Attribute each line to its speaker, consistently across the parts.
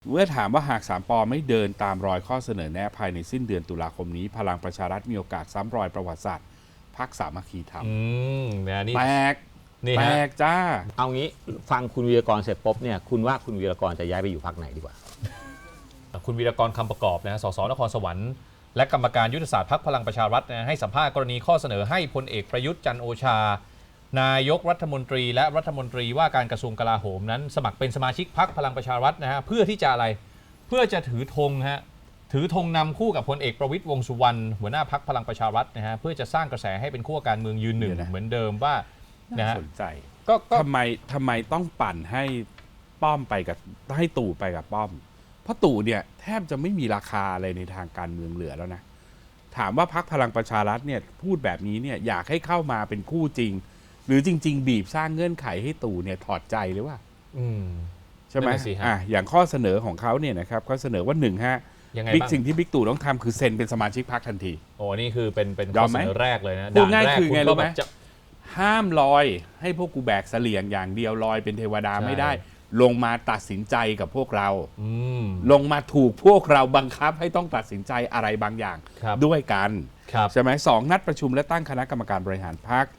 Speaker 1: เมื่อถามว่าหาก3 ป.ไม่เดินตามรอยข้อเสนอแนะภายในสิ้นเดือนตุลาคมนี้พลังประชารัฐมีโอกาสซ้ำรอยประวัติศาสตร์พรรคสามัคคีธรรม
Speaker 2: นี่
Speaker 1: แปลก
Speaker 2: นี่
Speaker 1: แปล
Speaker 2: ฮะ
Speaker 1: กจ้า
Speaker 3: เอางี้ฟังคุณวีรกรเสร็จปุ๊บเนี่ยคุณว่าคุณวีรกรจะย้ายไปอยู่พรรคไหนดีกว่า
Speaker 2: คุณวีรกรคำประกอบนะสสนครสวรรค์และกรรมการยุทธศาสตร์พรรคพลังประชารัฐนะให้สัมภาษณ์กรณีข้อเสนอให้พลเอกประยุทธ์จันทร์โอชานายกรัฐมนตรีและรัฐมนตรีว่าการกระทรวงกลาโหมนั้นสมัครเป็นสมาชิกพรรคพลังประชารัฐนะฮะเพื่อที่จะอะไรเพื่อจะถือธงฮะถือธงนำคู่กับพลเอกประวิตรวงษ์สุวรรณหัวหน้าพรรคพลังประชารัฐนะฮะเพื่อจะสร้างกระแสให้เป็นขั้วการเมืองยืนหนึ่ง
Speaker 1: เดี๋ยวนะ
Speaker 2: เหมือนเดิมว่านะ
Speaker 1: น่า
Speaker 2: ฮะ
Speaker 1: สนใจ
Speaker 2: ก็
Speaker 1: ทำไมต้องปั่นให้ป้อมไปกับให้ตู่ไปกับป้อม เพราะตู่เนี่ยแทบจะไม่มีราคาอะไรในทางการเมืองเหลือแล้วนะถามว่าพรรคพลังประชารัฐเนี่ยพูดแบบนี้เนี่ยอยากให้เข้ามาเป็นคู่จริง หรือจริง ๆ บีบสร้างเงื่อนไขให้ตู่เนี่ยถอดใจหรือว่า
Speaker 2: อืม
Speaker 1: ใช่ไหม
Speaker 2: นั่นน่ะสิฮะ
Speaker 1: อย่างข้อเสนอของเขาเนี่ยนะครับเขาเสนอว่า1ฮะ
Speaker 2: ยังไง
Speaker 1: บิ๊ก
Speaker 2: บ้าง
Speaker 1: สิ่งที่บิ๊กตู่ต้องทำคือเซ็นเป็นสมาชิกพรรคทันที
Speaker 2: โอ้นี่คือเป็น
Speaker 1: ย
Speaker 2: ข้
Speaker 1: อ
Speaker 2: อ
Speaker 1: ม
Speaker 2: เส
Speaker 1: ไหม
Speaker 2: นอแรกเลยนะ
Speaker 1: พูดง่าย
Speaker 2: ด่นแรก
Speaker 1: คือไง
Speaker 2: ณ
Speaker 1: รู้ไหม
Speaker 2: ก็แบบจะ
Speaker 1: ห้ามลอยให้พวกกูแบกเสลี่ยงอย่างเดียวลอยเป็นเทวดา
Speaker 2: ใช่
Speaker 1: ไม่ได้ ลงมาตัดสินใจกับพวกเรา
Speaker 2: อืม
Speaker 1: ลงมาถูกพวกเราบังคับให้ต้องตัดสินใจอะไรบางอย่าง
Speaker 2: ครับ
Speaker 1: ด้วยกัน
Speaker 2: ครับ
Speaker 1: ใช่ไหม2นัดประชุมและตั้งคณะกรรมการบริหารพรรค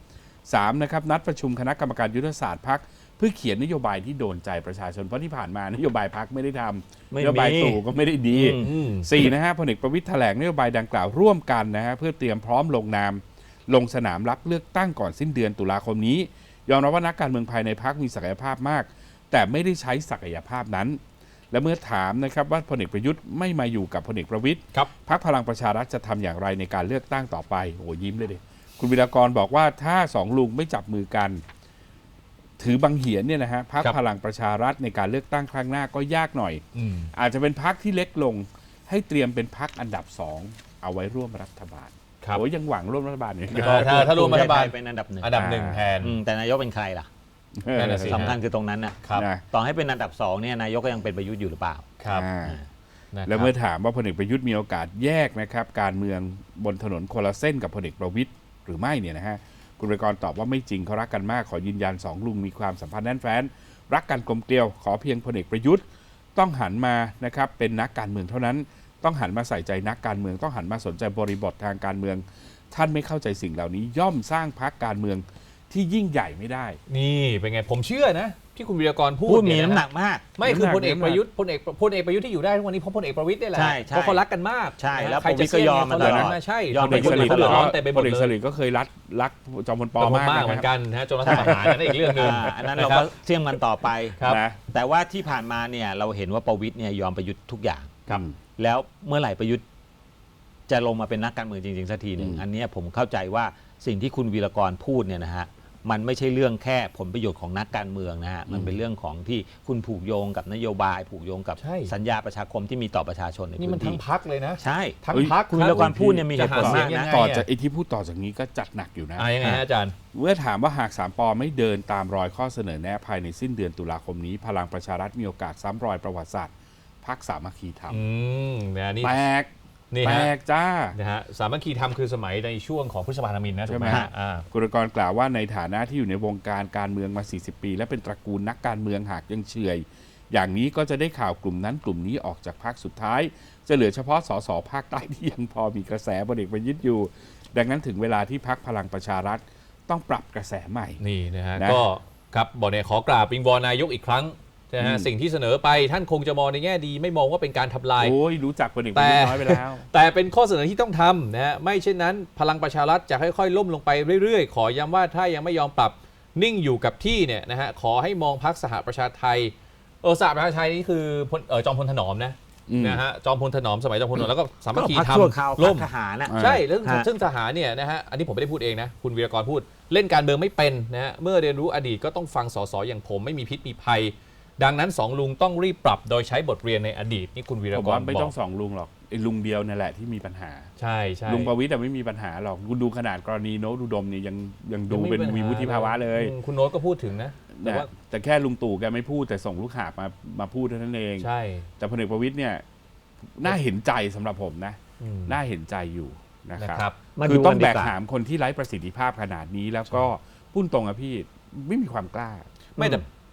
Speaker 1: 3นะครับนัดประชุมคณะกรรมการยุทธศาสตร์พรรคเพื่อเขียนนโยบายที่โดนใจประชาชนเพราะที่ผ่านมานโยบายพรรคไม่ได้ทำ
Speaker 3: ไม่
Speaker 1: น
Speaker 3: มี
Speaker 1: โยบายตู่ก็ไม่ได้ดี
Speaker 2: อืม
Speaker 1: 4นะฮะพลเอกประวิตรแถลงนโยบายดังกล่าวร่วมกันนะฮะเพื่อเตรียมพร้อมลงนามลงสนามรับเลือกตั้งก่อนสิ้นเดือนตุลาคมนี้ยอมรับว่านักการเมืองภายในพรรคมีศักยภาพมาก แต่ไม่ได้ใช้ศักยภาพนั้น และเมื่อถามนะครับว่าพลเอกประยุทธ์ไม่มาอยู่กับพลเอกประวิตร
Speaker 2: ครับ
Speaker 1: พรรคพลังประชารัฐจะทำอย่างไรในการเลือกตั้งต่อไปโอ้ยิ้มเลยดิคุณวิรากรบอกว่าถ้าสองลุงไม่จับมือกัน ถือบังเหียนเนี่ยนะฮะพรรค
Speaker 2: ครับ
Speaker 1: พลังประชารัฐในการเลือกตั้งครั้งหน้าก็ยากหน่อย
Speaker 2: อืม
Speaker 1: อาจจะเป็นพรรคที่เล็กลงให้เตรียมเป็นพรรคอันดับ2เอาไว้ร่วมรัฐบาล
Speaker 2: ครับ
Speaker 1: โอ้ยยังหวังร่วมรัฐบาลอยู่
Speaker 2: ถ้าร่วมรัฐบาล
Speaker 3: เป็นอันดับหนึ่ง
Speaker 2: อันดับหนึ่งแทน
Speaker 3: แต่นายกเป็นใครล่ะ
Speaker 2: นั่นน่ะสิ
Speaker 3: สำคัญคือตรงนั้นน่ะ
Speaker 2: ครับ
Speaker 1: นะ
Speaker 3: ต่อให้เป็นอันดับ2เนี่ยนายกก็ยังเป็นประยุทธ์อยู่หรือเปล่า
Speaker 2: ครับ
Speaker 1: อ่า
Speaker 2: นะครับ
Speaker 1: แล้วเมื่อถามว่าพลเอกประยุทธ์มีโอกาสแยกนะครับการเมืองบนถนนคนละเส้นกับพลเอกประวิตรหรือไม่เนี่ยนะฮะคุณวิรากรตอบว่าไม่จริงเขารักกันมากขอยืนยัน2ลุงมีความสัมพันธ์แน่นแฟ้นรักกันกลมเกลียวขอเพียงพลเอกประยุทธ์ต้องหันมานะครับเป็นนักการเมืองเท่านั้น ต้องหันมาใส่ใจนักการเมืองต้องหันมาสนใจบริบททางการเมือง ท่านไม่เข้าใจสิ่งเหล่านี้ย่อมสร้างพรรคการเมืองที่ยิ่งใหญ่ไม่ได้
Speaker 2: นี่เป็นไงผมเชื่อนะ ที่คุณวีรกรพู
Speaker 3: พู
Speaker 2: ด
Speaker 3: ดมี
Speaker 2: เย
Speaker 3: น้ำหนักมาก
Speaker 2: ไม่คือพลเอก
Speaker 1: น้ำหนัก
Speaker 2: ประยุทธ์พลเอกประยุทธ์ที่อยู่ได้ทุกวันนี้เพราะพลเอกประวิตรนี่แหละ
Speaker 3: ใช่ใช่
Speaker 2: เพราะเขารักกันมาก
Speaker 3: ใช่
Speaker 2: นะ
Speaker 3: แล้ว
Speaker 2: ใคร
Speaker 3: ประวิ
Speaker 2: จะ
Speaker 3: ตรก็ยอม
Speaker 2: เสี่
Speaker 3: มาตลอด
Speaker 2: เขาใช่
Speaker 3: ยอม
Speaker 2: พลเอกประยุทธ์
Speaker 3: มาตลอด
Speaker 2: ร้อนแต่ไปหม
Speaker 1: พ
Speaker 2: ด
Speaker 1: ล
Speaker 2: เล
Speaker 1: เอก
Speaker 2: ย
Speaker 1: สลิดก็เคยรักจอมพลป
Speaker 2: ป
Speaker 1: อ
Speaker 2: อ
Speaker 1: มาก
Speaker 2: มากเหมือน
Speaker 1: นะครับ
Speaker 2: กันนะจนรัฐประหารนั่นอีกเรื่องหนึ่ง
Speaker 3: อันนั้นเราก็เสี่ยงมันต่อไป
Speaker 2: ครับ
Speaker 1: นะ
Speaker 3: แต่ว่าที่ผ่านมาเนี่ยเราเห็นว่าประวิตรเนี่ยยอมประยุทธ์ทุกอย่าง
Speaker 1: ครับ
Speaker 3: แล้วเมื่อไหร่ประยุทธ์จะลงมาเป็นนักการเมืองจริงๆสักทีหนึ่ง
Speaker 1: อืม
Speaker 3: อันเนี้ยผมเข้าใจว่าสิ่งที่คุณวีรกรพูดเนี่ยนะฮะมันไม่ใช่เรื่องแค่ผลประโยชน์ของนักการเมืองนะฮะมันเป็นเรื่องของที่คุณผูกโยงกับนโยบาย ผูกโยงกับ
Speaker 2: ใช่
Speaker 3: สัญญาประชาคมที่มีต่อประชาชนใน
Speaker 2: นี่
Speaker 3: พื้
Speaker 2: มัน
Speaker 3: น
Speaker 2: ทั้
Speaker 3: ที่
Speaker 2: งพักเลยนะ
Speaker 3: ใช่
Speaker 2: ทั้ง
Speaker 1: เฮ้ย
Speaker 2: พัก
Speaker 3: คุณวีรกรพูดเนี่ยมีเหตุผลมากนะ
Speaker 1: ต่อจากไอ้ที่พูดต่อจากนี้ก็จัดหนักอยู่นะ
Speaker 2: ยังไงฮะอาจารย์
Speaker 1: เมื่อถามว่าหาก3 ป.ไม่เดินตามรอยข้อเสนอแนะภายในสิ้นเดือนตุลาคมนี้พลังประชารัฐมีโอกาสซ้ำรอยประวัติศาสตร์พรรคสามัคคีธรรม
Speaker 2: นะนี่
Speaker 1: แปลก
Speaker 2: นี่
Speaker 1: แปล
Speaker 2: ฮะ
Speaker 1: กจ้า
Speaker 2: นะฮะสามัคคีธรรมคือสมัยในช่วงของพฤษภาธมินนะถูกไหม
Speaker 1: ใช่ไหม
Speaker 2: ฮะอ่า
Speaker 1: กุลกรกล่าวว่าในฐานะที่อยู่ในวงการการเมืองมา 40 ปี และเป็นตระกูลนักการเมืองหากยังเฉอยอย่างนี้ก็จะได้ข่าวกลุ่มนั้นกลุ่มนี้ออกจากพรรคสุดท้าย จะเหลือเฉพาะสสภาคใต้ที่ยังพอมีกระแสพลเอกประยุทธ์อยู่ ดังนั้นถึงเวลาที่พรรคพลังประชารัฐต้องปรับกระแสใหม่
Speaker 2: นี่นะฮะ
Speaker 1: นะ
Speaker 2: ก็ครับบอกเนี่ยขอกราบวิงวอนนายกอีกครั้งนะฮะสิ่งที่เสนอไปท่านคงจะมองในแง่ดี ไม่มองว่าเป็นการทำลาย
Speaker 1: โอ้ยรู้จักพลเอกประยุทธ์น้อยไปแล้ว
Speaker 2: แต่เป็นข้อเสนอที่ต้องทำนะฮะไม่เช่นนั้นพลังประชารัฐจะค่อยๆล่มลงไปเรื่อยๆ ขอย้ำว่าถ้ายังไม่ยอมปรับนิ่งอยู่กับที่เนี่ยนะฮะขอให้มองพรรคสหประชาไทยสหประชาไทยนี่คือจอมพลถนอมนะ
Speaker 1: อืม
Speaker 2: นะฮะจอมพลถนอมสมัยจอมพลถนอมแล้วก็สามัคคี
Speaker 3: ก็พรรค
Speaker 2: ธรร
Speaker 3: ชั่ว
Speaker 2: ม
Speaker 3: คราว
Speaker 2: ล่ม
Speaker 3: พรรคทหารน่ะ
Speaker 2: ใช่แล้ว
Speaker 3: ฮะ
Speaker 2: ซึ่งทหารเนี่ยนะฮะอันนี้ผมไม่ได้พูดเองนะคุณวีรกรพูดเล่นการเมืองไม่เป็นนะฮะเมื่อเรียนรู้อดีตก็ต้องฟังสสอย่างผมไม่มีพิษมีภัย ดังนั้นสองลุงต้องรีบปรับโดยใช้บทเรียนในอดีตนี่คุณวีร
Speaker 1: ผม
Speaker 2: กร
Speaker 1: ว่าไม่
Speaker 2: บ
Speaker 1: ต้
Speaker 2: อ
Speaker 1: อก งสองลุงหรอกไอ้ลุงเดียวนั่นแหละที่มีปัญหา
Speaker 2: ใช่ใช่
Speaker 1: ลุงประวิตรไม่มีปัญหาหรอกคุณดูขนาดกรณีโน้ตอุดมเนี่ยยังดูเป็นมีวุฒิภาวะเลย
Speaker 2: คุณโน้ตก็พูดถึงนะแต่
Speaker 1: นะ
Speaker 2: ว่า
Speaker 1: แต่แค่ลุงตู่แกไม่พูดแต่ส่งลูกหาบมาพูดเท่านั้นเอง
Speaker 2: ใช่
Speaker 1: แต่พลเอกประวิตรเนี่ยน่าเห็นใจสำหรับผมนะ
Speaker 2: อืม
Speaker 1: น่าเห็นใจอยู่นะ
Speaker 2: นะ
Speaker 1: ครับ
Speaker 2: ครับ
Speaker 3: มา
Speaker 1: คือ
Speaker 3: ดู
Speaker 1: ต้อง
Speaker 3: กัน
Speaker 1: แบ
Speaker 3: ดี
Speaker 1: ก
Speaker 3: กว่า
Speaker 1: หามคนที่ไร้ประสิทธิภาพขนาดนี้แล้วก็พูดตรงอะพี่ไม่มีความกล้า
Speaker 2: ไม่แต่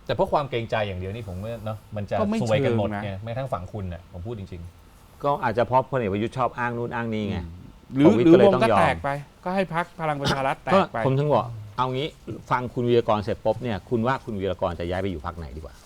Speaker 2: แต่เพราะความเกรงใจอย่างเดียวนี่ผมว่าเนาะมันจะ
Speaker 1: ก็ไม่
Speaker 2: ซวยกันหมด
Speaker 1: เชิงนะ
Speaker 2: ไงแม้กระทั่งฝั่งคุณเนี่ยผมพูดจริง
Speaker 3: ก็อาจจะเพราะพลเอกประยุทธ์ชอบอ้างนู่นอ้างนี่ไง
Speaker 1: หรือ
Speaker 3: ประวิตร
Speaker 1: หรือ
Speaker 3: ก็เลยว
Speaker 1: ง
Speaker 3: ต้อง
Speaker 1: ก็
Speaker 3: ยอม
Speaker 1: แตกไป ก็ให้พักพลังประชารัฐแต
Speaker 3: ก็
Speaker 1: กไป
Speaker 3: ผมถึงบอกเอางี้ฟังคุณวีรกรเสร็จปุ๊บเนี่ยคุณว่าคุณวีรกรจะย้ายไปอยู่พรรคไหนดีกว่า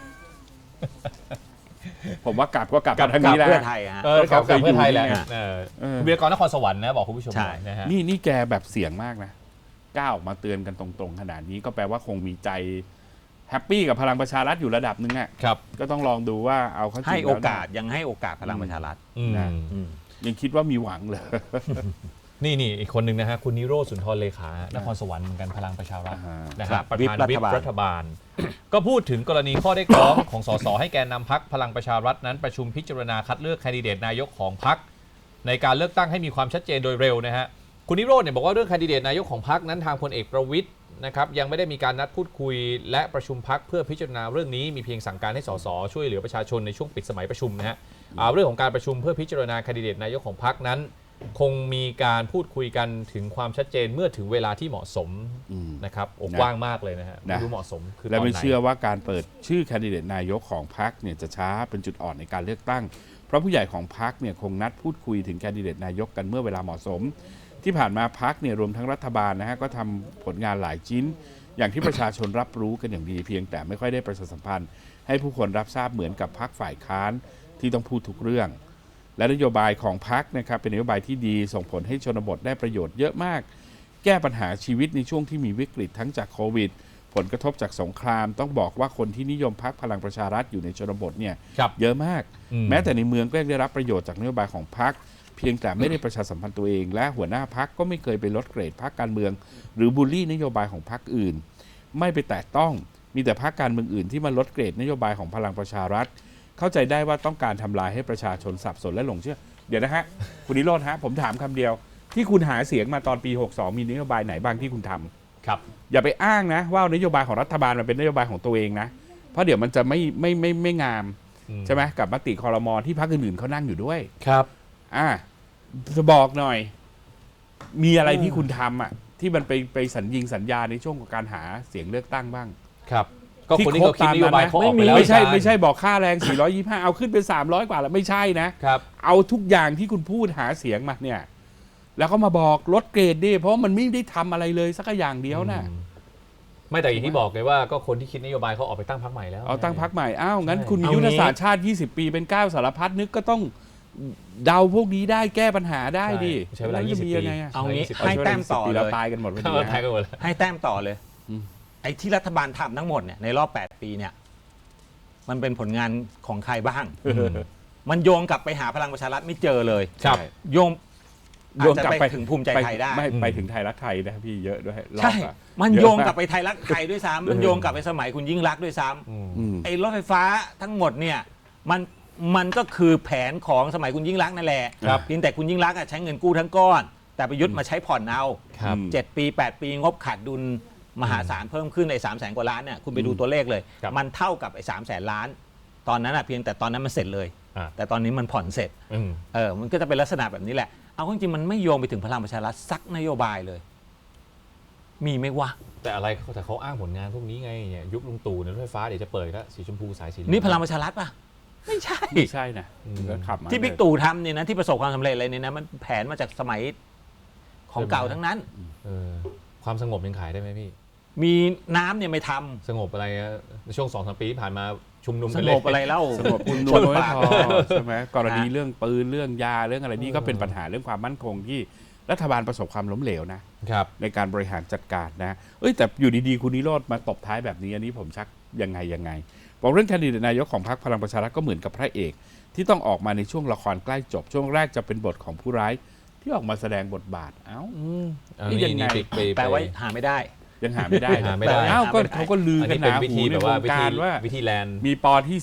Speaker 1: ผมว่ากลับก็กลับ
Speaker 2: กลับ
Speaker 1: มาทางนี้แหละ
Speaker 3: เพื่อไทยฮะ
Speaker 2: ๆกับเพื่อไทยแหละ
Speaker 1: นี่ไง
Speaker 2: คุณวีรกรนครสวรรค์นะบอกคุณผู้ชม
Speaker 3: ใช่
Speaker 2: หน่อยนะฮะ
Speaker 1: นี่แกแบบเสียงมากนะกล้าออกมาเตือนกันตรงๆขนาดนี้ก็แปลว่าคงมีใจแฮปปี้กับพลังประชารัฐอยู่ระดับหนึ่งอ่ะ
Speaker 2: ครับ
Speaker 1: ก็ต้องลองดูว่าเอาเข้าจริง
Speaker 3: ให้
Speaker 1: แล้ว
Speaker 3: โอกาสยังให้โอกาสพลังประชารัฐ
Speaker 2: อืม
Speaker 1: นะ
Speaker 3: อืม
Speaker 1: ยังคิดว่ามีหวังเลย
Speaker 2: นี่อีกคนหนึ่งนะฮะคุณนิโรธสุนทรเลขานครสวรรค์เหมือนกันพลังประชารัฐ
Speaker 1: อ่า
Speaker 2: นะ
Speaker 3: ครั
Speaker 2: ฮะ
Speaker 3: บ
Speaker 2: ประธาน
Speaker 3: วิ
Speaker 2: วิ
Speaker 3: ป
Speaker 2: ป
Speaker 3: รั
Speaker 2: รั
Speaker 3: ฐ
Speaker 2: ฐ
Speaker 3: บา
Speaker 2: บา
Speaker 3: ล
Speaker 2: ล ก็พูดถึงกรณีข้อเรียกร้องของสสให้แกนนำพรรคพลังประชารัฐนั้นประชุมพิจารณาคัดเลือกแคนดิเดตนายกของพรรคในการเลือกตั้งให้มีความชัดเจนโดยเร็วนะฮะคุณนิโรธเนี่ยบอกว่าเรื่องแคนดิเดตนายกของพรรคนั้นทางพลเอกประวิตรนะครับยังไม่ได้มีการนัดพูดคุยและประชุมพรรคเพื่อพิจารณาเรื่องนี้มีเพียงสั่งการให้สสช่วยเหลือประชาชนในช่วงปิดสมัยประชุมนะฮะเรื่องของการประชุมเพื่อพิจารณาแคนดิเดตนายกของพรรคนั้น คงมีการพูดคุยกันถึงความชัดเจนเมื่อถึงเวลาที่เหมาะสม
Speaker 1: อืม
Speaker 2: นะครับโอ้
Speaker 1: นะ
Speaker 2: กว้างมากเลยนะฮะ
Speaker 1: นะ
Speaker 2: ไม่รู้เหมาะสมคือ
Speaker 1: และ
Speaker 2: ตอน
Speaker 1: ไม่
Speaker 2: ไหน
Speaker 1: เชื่อว่าการเปิดชื่อแคนดิเดตนายกของพรรคเนี่ยจะช้าเป็นจุดอ่อนในการเลือกตั้ง เพราะผู้ใหญ่ของพรรคเนี่ยคงนัดพูดคุยถึงแคนดิเดตนายกกันเมื่อเวลาเหมาะสม ที่ผ่านมาพรรคเนี่ยรวมทั้งรัฐบาลนะฮะก็ทำผลงานหลายชิ้น อย่างที่ประชาชนรับรู้กันอย่างดีเพียงแต่ไม่ค่อยได้ประชาสัมพันธ์ ให้ผู้คนรับทราบเหมือนกับพรรคฝ่ายค้านที่ต้องพูดทุกเรื่อง และนโยบายของพรรคนะครับเป็นนโยบายที่ดีส่งผลให้ชนบทได้ประโยชน์เยอะมาก แก้ปัญหาชีวิตในช่วงที่มีวิกฤตทั้งจากโควิด ผลกระทบจากสงคราม ต้องบอกว่าคนที่นิยมพรรคพลังประชารัฐอยู่ในชนบทเนี่ย
Speaker 2: ครับ
Speaker 1: เยอะมาก
Speaker 2: อืม
Speaker 1: แม้แต่ในเมืองก็ยังได้รับประโยชน์จากนโยบายของพรรคเพียงแต่ไม่ได้ประชาสัมพันธ์ตัวเอง และหัวหน้าพรรคก็ไม่เคยไปลดเกรดพรรคการเมือง หรือบูลลี่นโยบายของพรรคอื่น ไม่ไปแตะต้องมีแต่พรรคการเมืองอื่นที่มาลดเกรดนโยบายของพลังประชารัฐ เข้าใจได้ว่าต้องการทำลายให้ประชาชนสับสนและหลงเชื่อ เดี๋ยวนะฮะ คุณนิโรธฮะผมถามคำเดียว ที่คุณหาเสียงมาตอนปี 62 มีนโยบายไหนบ้างที่คุณทำ
Speaker 2: ครับ
Speaker 1: อย่าไปอ้างนะว่านโยบายของรัฐบาลมันเป็นนโยบายของตัวเองนะ เพราะเดี๋ยวมันจะไม่งาม
Speaker 2: อืม
Speaker 1: ใช่ไหมกับมติครมที่พรรคอื่นๆเขานั่งอยู่ด้วย
Speaker 2: ครับ
Speaker 1: จะบอกหน่อย มีอะไรที่คุณทำอ่ะที่มันไปสัญญาในช่วงของการหาเสียงเลือกตั้งบ้าง
Speaker 2: ครับ ก็คนที่เขาคิดนโยบายเขาออกไปแล้ว
Speaker 1: ไม่ใช่
Speaker 2: อาจารย์
Speaker 1: ไม่ใช่บอกค่าแรง 425 เอาขึ้นเป็น 300 กว่าแล้วไม่ใช่นะ
Speaker 2: ครับ
Speaker 1: เอาทุกอย่างที่คุณพูดหาเสียงมาเนี่ย แล้วก็มาบอกลดเกรดดิเพราะมันไม่ได้ทำอะไรเลยสักอย่างเดียวนะ
Speaker 2: ไม่แต่อย่างที่บอกเลยว่าก็คนที่คิดนโยบายเขาออกไปตั้งพรรคใหม่แล้ว
Speaker 1: เอาตั้งพักใหม่อ้าวงั้น
Speaker 2: ใช่
Speaker 1: คุณมี
Speaker 3: เอางี้
Speaker 1: ยุทธศาสตร์ชาติ 20 ปีเป็นก้าวสารพัดนึกก็ต้องเดาพวกนี้ได้แก้ปัญหาได้ดิ
Speaker 2: ใช้เวลา
Speaker 1: แจะ
Speaker 2: 20
Speaker 1: มี
Speaker 2: ปี
Speaker 1: ยังไงอะ
Speaker 3: เอางี้
Speaker 2: 20
Speaker 3: ให้แต้มต่อ
Speaker 1: ปี
Speaker 3: เล
Speaker 1: เรา
Speaker 3: ย
Speaker 1: ตายกันหมดพอดี
Speaker 2: เข้าไทย
Speaker 1: นะ
Speaker 2: กันหมดเลย
Speaker 3: ให้แต้มต่อเลย
Speaker 1: อืม
Speaker 3: ไอ้ที่รัฐบาลทำทั้งหมดเนี่ยในรอบ 8 ปีเนี่ยมันเป็นผลงานของใครบ้าง มันโยงกลับไปหาพลังประชารัฐไม่เจอเลย
Speaker 2: ครับ
Speaker 3: โยง
Speaker 1: โยงกลับไป
Speaker 3: อาจจะถึงภูมิใจไทยได้
Speaker 1: ไม่ไปถึงไทยรักไทยนะพี่เยอะด้วยรอบ
Speaker 3: ใช่
Speaker 1: อะ
Speaker 3: มัน
Speaker 1: เอะ
Speaker 3: โยง
Speaker 1: มาก
Speaker 3: กลับไปไทยรักไทยด้วยซ้ำมันโยงกลับไปสมัยคุณยิ่งรักษณ์ด้วยซ้ำ
Speaker 1: อืม
Speaker 3: ไอ้รถไฟฟ้าทั้งหมดเนี่ยมันก็คือแผนของสมัยคุณยิ่งรักษณ์นั่นแหละ
Speaker 2: ครับ
Speaker 3: เพียงแต่คุณยิ่งรักษณ์อะใช้เงินกู้ทั้งก้อน แต่ประยุทธ์มาใช้ผ่อนเอา
Speaker 2: ครับ
Speaker 3: 7 ปี 8 ปีงบขาดดุลมหาศาลเพิ่มขึ้นไอ้300,000 กว่าล้านเนี่ยคุณไปดูตัวเลขเลย
Speaker 2: ครับ
Speaker 3: มันเท่ากับไอ้300,000 ล้าน ตอนนั้นอะเพียงแต่ตอนนั้นมันเสร็จเลย
Speaker 2: อ่า
Speaker 3: แต่ตอนนี้มันผ่อนเสร็จ
Speaker 2: อืม
Speaker 3: มันก็จะเป็นลักษณะแบบนี้แหละ เอาเข้าจริงๆมันไม่โยงไปถึงพลังประชารัฐสักนโยบายเลย มีไหมวะ
Speaker 2: แต่อะไรแต่เขาอ้างผลงานพวกนี้ไงเนี่ยยุคลุงตู่เนี่ยรถไฟฟ้าเดี๋ยวจะเปิดก็สีชมพูสายสีเหลือง
Speaker 3: นี่พลังประชารัฐปะไม่ใช่
Speaker 1: ไม่ใช่นะ
Speaker 2: อืม
Speaker 1: ก็ขับมา
Speaker 3: ที่บิ๊กตู่ทำเนี่ยนะที่ประสบความสำเร็จอะไรเนี่ยนะมันแผนมาจากสมัยของเก่าทั้งนั้น
Speaker 2: เออความสงบยังขายได้ไหมพี่
Speaker 3: มีน้ำเนี่ยไม่ทำ
Speaker 2: สงบอะไรอะในช่วง 2-3 ปีที่ผ่านมาชุมนุม
Speaker 3: ส
Speaker 2: กัน
Speaker 3: ง
Speaker 2: เลย
Speaker 3: บอะไรเล่า
Speaker 1: สงบคุณนวลไม่พอใช่ไหมกรณีเรื่องปืนเรื่องยาเรื่องอะไรนี่ก็เป็นปัญหาเรื่องความมั่นคงที่รัฐบาลประสบความล้มเหลวนะครับ ในการบริหารจัดการนะแต่อยู่ดีๆคุณนิโรธมาตบท้ายแบบนี้อันนี้ผมชักยังไงบอกเรื่องแคนดิเดตนายกของพรรคพลังประชารัฐก็เหมือนกับพระเอก ที่ต้องออกมาในช่วงละครใกล้จบช่วงแรกจะเป็นบทของผู้ร้ายที่ออกมาแสดงบทบาทนี่ยังไง
Speaker 3: แปลว่าหาไม่ได้
Speaker 1: ยังหาไม่ได้
Speaker 2: หาไม่ได้
Speaker 1: อ้าวก็เขาก็ลือ
Speaker 2: อัน
Speaker 1: กั
Speaker 2: นี้
Speaker 1: นห
Speaker 2: เป็น
Speaker 1: นา
Speaker 2: วิ
Speaker 1: หู
Speaker 2: ธี
Speaker 1: ใน
Speaker 2: แบบ
Speaker 1: ว
Speaker 2: ว่าง
Speaker 1: การว่า
Speaker 2: วิธีแลนด์
Speaker 1: มีปอที่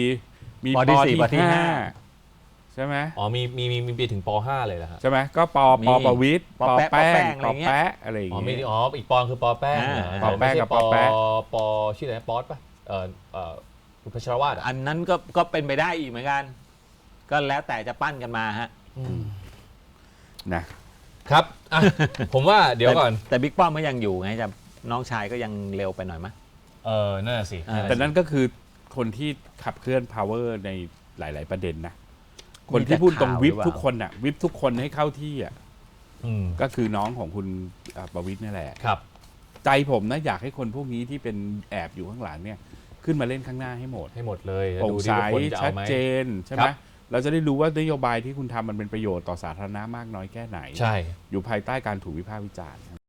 Speaker 1: 4 มีป
Speaker 3: ป
Speaker 1: อ
Speaker 3: ที่
Speaker 1: ที่
Speaker 3: 4ปที่
Speaker 1: 5 ใช่ไหม
Speaker 2: อ๋อมีไปถึงป .5 เลยเหรอฮะ
Speaker 1: ใช่ไหมก็ปประวิตร
Speaker 3: ปอแป้ง
Speaker 1: ปอแปะอะไรอย่าง
Speaker 2: อ๋อ
Speaker 1: เงี้
Speaker 2: มี
Speaker 1: ย
Speaker 2: อีกปอคือปอแป้งเหร
Speaker 3: ปอ
Speaker 1: แป้งกับปอแปะ
Speaker 2: ปอชื่ออะไรนะป๊อตป่ะคุณพัชรวาทอ่ะ
Speaker 3: อันนั้นก็เป็นไปได้อีกเหมือนกัน ก็แล้วแต่จะปั้นกันมาฮะ
Speaker 1: นะครับ
Speaker 2: อ่ะผมว่าเดี๋ยวก่อน
Speaker 3: แต่บิ๊กป้อมก็ยังอยู่ไงจะน้องชายก็ยังเร็วไปหน่อยมั้ย
Speaker 2: นั่นนะสิ
Speaker 1: แต่นั่นก็คือคนที่ขับเคลื่อน power ในหลาย ๆ ประเด็นนะคนที่พูดตรงวิปทุกคนอะวิปทุกคนให้เข้าที่อะ
Speaker 2: อืม
Speaker 1: ก็คือน้องของคุณประวิตรนี่แหละ
Speaker 2: ครับ
Speaker 1: ใจผมนะอยากให้คนพวกนี้ที่เป็นแอบอยู่ข้างหลังเนี่ยขึ้นมาเล่นข้างหน้าให้หมด
Speaker 2: ให้หมดเลยแล้ว
Speaker 1: โปร่ง
Speaker 2: ดู
Speaker 1: ใส
Speaker 2: ที่ว่าคนจะ
Speaker 1: ชั
Speaker 2: เอา
Speaker 1: ด
Speaker 2: ไหม
Speaker 1: เจนใช่ไห
Speaker 2: ค
Speaker 1: ม
Speaker 2: รับ
Speaker 1: เราจะได้รู้ว่านโยบายที่คุณทำมันเป็นประโยชน์ต่อสาธารณะมากน้อยแค่ไหน
Speaker 2: ใช่
Speaker 1: อยู่ภายใต้การถูกวิพากษ์วิจารณ์